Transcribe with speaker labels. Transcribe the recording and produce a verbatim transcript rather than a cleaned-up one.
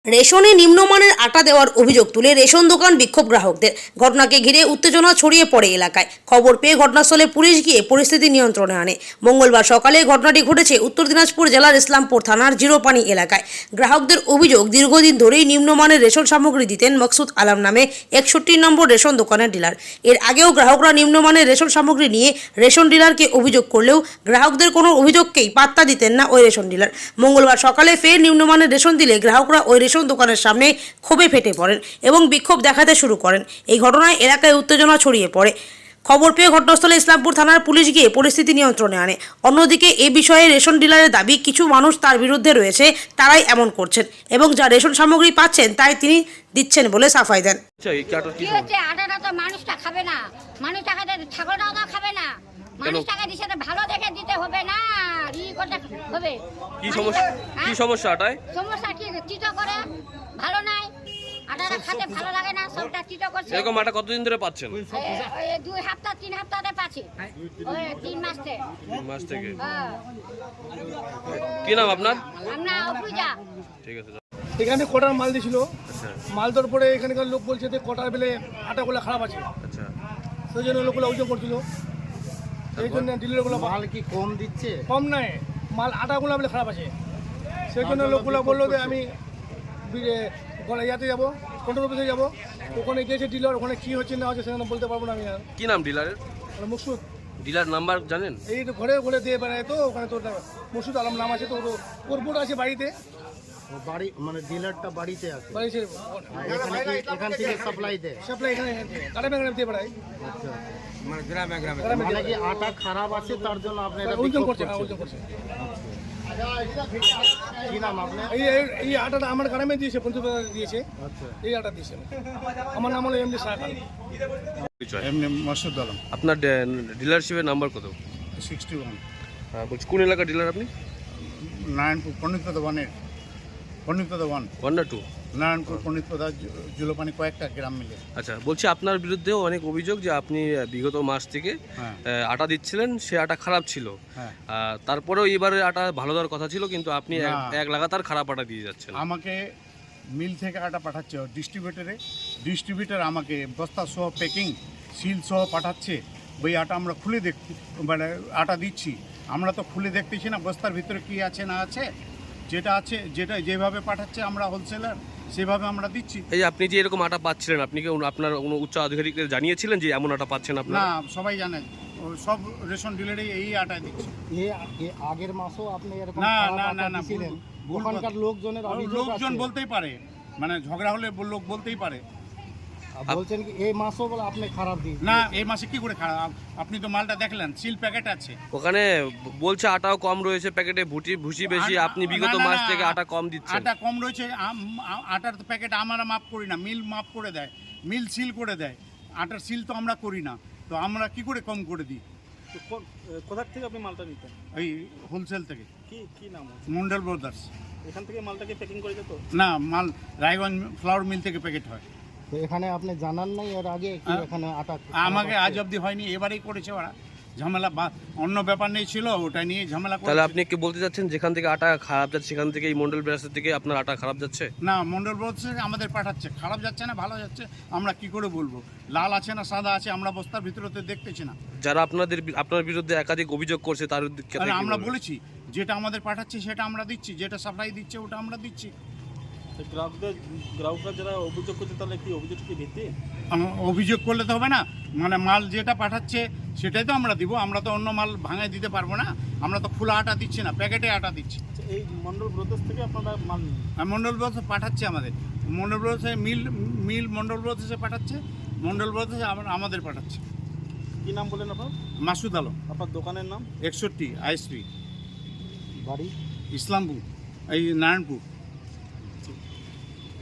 Speaker 1: রেশনে নিম্নমানের আটা দেওয়ার অভিযোগ তুলে রেশন দোকান বিক্ষোভ গ্রাহকদের। ঘটনাকে ঘিরে উত্তেজনা ছড়িয়ে পড়ে এলাকায়। খবর পেয়ে ঘটনাস্থলে পুলিশ গিয়ে পরিস্থিতি নিয়ন্ত্রণে আনে। মঙ্গলবার সকালে ঘটনাটি ঘটেছে উত্তর দিনাজপুর জেলার ইসলামপুর থানার জিরোপানি এলাকায়। গ্রাহকদের অভিযোগ, দীর্ঘদিন ধরেই নিম্নমানের রেশন সামগ্রী দিতেন মকসুদ আলম নামে একষট্টি নম্বর রেশন দোকানের ডিলার। এর আগেও গ্রাহকরা নিম্নমানের রেশন সামগ্রী নিয়ে রেশন ডিলারকে অভিযোগ করলেও গ্রাহকদের কোনো অভিযোগকেই পাত্তা দিতেন না ওই রেশন ডিলার। মঙ্গলবার সকালে ফের নিম্নমানের রেশন দিলে গ্রাহকরা ওই রেশন দোকানের সামনে ক্ষোভে ফেটে পড়েন এবং বিক্ষোভ দেখাতে শুরু করেন। এই ঘটনায় এলাকায় উত্তেজনা ছড়িয়ে পড়ে। খবর পেয়ে ঘটনাস্থলে ইসলামপুর থানার পুলিশ গিয়ে পরিস্থিতি নিয়ন্ত্রণে আনে। অন্যদিকে এ বিষয়ে রেশন ডিলারের দাবি, কিছু মানুষ তার বিরুদ্ধে রয়েছে, তারাই এমন করছেন এবং যা রেশন সামগ্রী পাচ্ছেন তাই তিনি দিচ্ছেন বলে সাফাই দেন।
Speaker 2: কি হচ্ছে, আটাটা তো মানুষটা খাবে না, মানুষ টাকা ছাগলটাও তো খাবে না, মানুষ টাকা দিচ্ছে ভালো দেখে দিতে হবে না, ই করতে হবে।
Speaker 3: কি সমস্যা? কি সমস্যা আটায়?
Speaker 2: সমস্যা কি, চিটো করে, ভালো নাই, আটাটা খেতে ভালো লাগে না, সবটা চিটো করছে।
Speaker 3: এরকম আটা কতদিন ধরে পাচ্ছেন?
Speaker 2: এই দুই সপ্তাহ তিন সপ্তাহে পাচ্ছি, ওই তিন মাস থেকে।
Speaker 3: তিন মাস থেকে।
Speaker 2: হ্যাঁ।
Speaker 3: কি নাম আপনার?
Speaker 2: আমরা অপুজা।
Speaker 3: ঠিক আছে।
Speaker 4: এখানে কটার মাল দিয়েছিল,
Speaker 3: আচ্ছা
Speaker 4: মাল দেওয়ার পরে এখানকার লোক বলছে যে কটার বেলে আটাগুলো খারাপ আছে,
Speaker 3: আচ্ছা।
Speaker 4: সেই জন্য লোকগুলো অভিযোগ করছিল। সেই জন্য ডিলারগুলো
Speaker 5: মাল কি কম দিচ্ছে?
Speaker 4: কম নাই, মাল আটাগুলো বলে খারাপ আছে। সেই জন্য লোকগুলো বললো যে আমি বি- ইয়াতে যাবো, কন্ট্রোল অফিসে যাবো, ওখানে গিয়েছে ডিলার, ওখানে কী হচ্ছে না হচ্ছে সেখানে বলতে পারবো না আমি। আর
Speaker 3: কি নাম ডিলারের?
Speaker 4: মুকসুদ
Speaker 3: ডিলার নাম্বার জানেন?
Speaker 4: এই তো ঘরে ঘরে দিয়ে বেড়ায়, তো ওখানে তোর মুকসুদ আলম নাম আছে, তো ওর বোর্ড আছে বাড়িতে,
Speaker 5: ও বাড়ি মানে ডিলারটা বাড়িতে আছে,
Speaker 4: বাড়িতে
Speaker 5: আর এখানে কি এখান থেকে সাপ্লাই দেয়?
Speaker 4: সাপ্লাই এখানে গ্রামে গ্রামে দিয়ে বেড়ায়।
Speaker 5: আচ্ছা,
Speaker 4: মানে গ্রামে
Speaker 5: মানে
Speaker 4: দিয়ে
Speaker 5: কি আটা খারাপ আছে তার জন্য আপনারা
Speaker 4: ওজন
Speaker 5: বিক্ষোভ
Speaker 4: করছে, হ্যাঁ,
Speaker 5: করছেন?
Speaker 4: ওজন করছে।
Speaker 5: কি নাম আপনার?
Speaker 4: এই এই- এই আটাটা আমার গ্রামে দিয়েছে, পঞ্চবাজার দিয়েছে,
Speaker 5: আচ্ছা,
Speaker 4: এই আটা দিয়েছে। আমার নাম হলো এমডি শাহ খান।
Speaker 3: পরিচয়।
Speaker 6: এমনি মাসুদ আলম,
Speaker 3: আপনার ডিলারশিপের নাম্বার কত?
Speaker 6: সিক্সটি ওয়ান,
Speaker 3: হ্যাঁ বলছি, কোন এলাকার ডিলার আপনি?
Speaker 6: নারায়ণপুর পণ্ডিতপদা ওয়ানের, পণ্ডিতপদা ওয়ান,
Speaker 3: ওয়ান না টু?
Speaker 6: নারায়ণপুর পণ্ডিতপদা জুলোপানি কয়েকটা গ্রাম মিলে।
Speaker 3: আচ্ছা, বলছি আপনার বিরুদ্ধেও অনেক অভিযোগ যে আপনি আহ, বিগত মাস থেকে
Speaker 6: হ্যাঁ
Speaker 3: আহ, আটা দিচ্ছিলেন, সে আটা খারাপ ছিল।
Speaker 6: হ্যাঁ,
Speaker 3: আহ, তারপরেও এবারে আটা ভালো দেওয়ার কথা ছিল, কিন্তু আপনি এক-
Speaker 6: না।
Speaker 3: এক লাগাতার খারাপ আটা দিয়ে যাচ্ছেন।
Speaker 6: আমাকে মিল থেকে আটা পাঠাচ্ছে ডিস্ট্রিবিউটারে, ডিস্ট্রিবিউটার আমাকে বস্তা সহ প্যাকিং সিল সহ পাঠাচ্ছে। ওই আটা আমরা খুলে দেখ মানে আটা দিচ্ছি, আমরা তো খুলে দেখতেছি না বস্তার ভিতরে কি আছে না আছে। যেটা আছে, যেটা যেভাবে পাঠাচ্ছে আমরা হোলসেলার সেভাবে আমরা দিচ্ছি।
Speaker 3: এই যে আপনি যে এরকম আটা পাচ্ছিলেন, আপনি কি অন্য- আপনার কোনো উচ্চ আধিকারিকদের জানিয়েছিলেন যে এমন আটা পাচ্ছেন
Speaker 6: না,
Speaker 3: আপনারা?
Speaker 6: সবাই জানে, ও সব রেশন ডিলারই এই আটায় দিচ্ছে।
Speaker 5: এ- এ আগের মাসও আপনি এরকম
Speaker 6: না
Speaker 5: খারাপ
Speaker 6: না না
Speaker 5: আটা
Speaker 6: না
Speaker 5: দিছিলেন?
Speaker 6: ভুল- ভুল
Speaker 5: ওখানকার
Speaker 6: কথা।
Speaker 5: লোকজনের অভিযোগ
Speaker 6: লোকজন
Speaker 5: আছে।
Speaker 6: বলতেই পারে, মানে ঝগড়া হলে বল- লোক বলতেই পারে।
Speaker 5: আর বলছেন কি এই মাসও বলে আপনি খারাপ দিয়েছেন?
Speaker 6: না, এই মাসে কি করে খারাপ? আপনি তো মালটা দেখলেন, সিল প্যাকেট আছে।
Speaker 3: ওখানে বলছে আটাও কম রয়েছে প্যাকেটে, ভুটি ভুসি বেশি,
Speaker 6: আটা-
Speaker 3: আপনি বিগত
Speaker 6: না, না,
Speaker 3: মাস
Speaker 6: না,
Speaker 3: থেকে আটা কম দিচ্ছেন।
Speaker 6: আটা কম রয়েছে, আম- আ- আটার তো প্যাকেট আমরা মাপ করি না, মিল মাপ করে দেয়, মিল সিল করে দেয়। আটার সিল তো আমরা করি না, তো আমরা কি করে কম করে দিই?
Speaker 4: কোথা থেকে আপনি মালটা নিতেন?
Speaker 6: এই হোলসেল থেকে,
Speaker 4: কি কি নাম?
Speaker 6: মন্ডল ব্রাদার্স।
Speaker 4: এখান থেকে মালটাকে প্যাকিং করে যেত?
Speaker 6: না, মাল রায়গঞ্জ ফ্লাওয়ার মিল থেকে প্যাকেট হয়।
Speaker 5: তো এখানে আপনি জানান নাই এর আগে কি
Speaker 6: হ্যাঁ।
Speaker 5: এখানে আটা
Speaker 6: আমাকে
Speaker 5: খারাপ
Speaker 6: আজ
Speaker 5: আছে?
Speaker 6: অবধি হয়নি, এবারেই করেছে ওরা ঝামেলা, বা- অন্য ব্যাপার নেই ছিল, ওটা নিয়ে ঝামেলা
Speaker 3: তাহলে
Speaker 6: করেছে।
Speaker 3: আপনি কি বলতে চাচ্ছেন যেখান থেকে আটা খারাপ যাচ্ছে সেখান থেকে এই মন্ডল ব্রাসের থেকে আপনার আটা খারাপ যাচ্ছে?
Speaker 6: না, মন্ডল ব্রাদার্স থেকে আমাদের পাঠাচ্ছে, খারাপ যাচ্ছে না ভালো যাচ্ছে আমরা কি করে বলবো? লাল আছে না সাদা আছে আমরা বস্তার ভিতরে তো দেখতেছি না।
Speaker 3: যারা আপনাদের বি- আপনার বিরুদ্ধে একাধিক অভিযোগ করছে তার ক্ষেত্রে
Speaker 6: তাহলে
Speaker 3: কি
Speaker 6: আমরা
Speaker 3: বলবেন?
Speaker 6: বলেছি যেটা আমাদের পাঠাচ্ছে সেটা আমরা দিচ্ছি, যেটা সাপ্লাই দিচ্ছে ওটা আমরা দিচ্ছি।
Speaker 4: গ্রাহকদের গ্রাহকরা যারা অভিযোগ করছে তাহলে কি অভিযোগ কি ভিত্তি?
Speaker 6: আম- অভিযোগ করলে তো হবে না, মানে মাল যেটা পাঠাচ্ছে সেটাই তো আমরা দিব, আমরা তো অন্য মাল ভাঙায় দিতে পারবো না। আমরা তো খোলা আটা দিচ্ছি না, প্যাকেটে আটা দিচ্ছি।
Speaker 4: এই মন্ডল ব্রদার্স থেকে আপনারা মাল নিন?
Speaker 6: আর মন্ডল ব্রাদার্স পাঠাচ্ছে আমাদের, মন্ডল ব্রাদার্সে মিল মিল মন্ডল ব্রাদার্সে পাঠাচ্ছে, মন্ডল ব্রাদার্সে আবার আমাদের পাঠাচ্ছে।
Speaker 4: কি নাম বলেন আপনার?
Speaker 6: মাসুদ আলম,
Speaker 4: আপনার দোকানের নাম?
Speaker 6: একষট্টি আইএসপি,
Speaker 5: বাড়ি
Speaker 6: ইসলামপুর, এই নারায়ণপুর।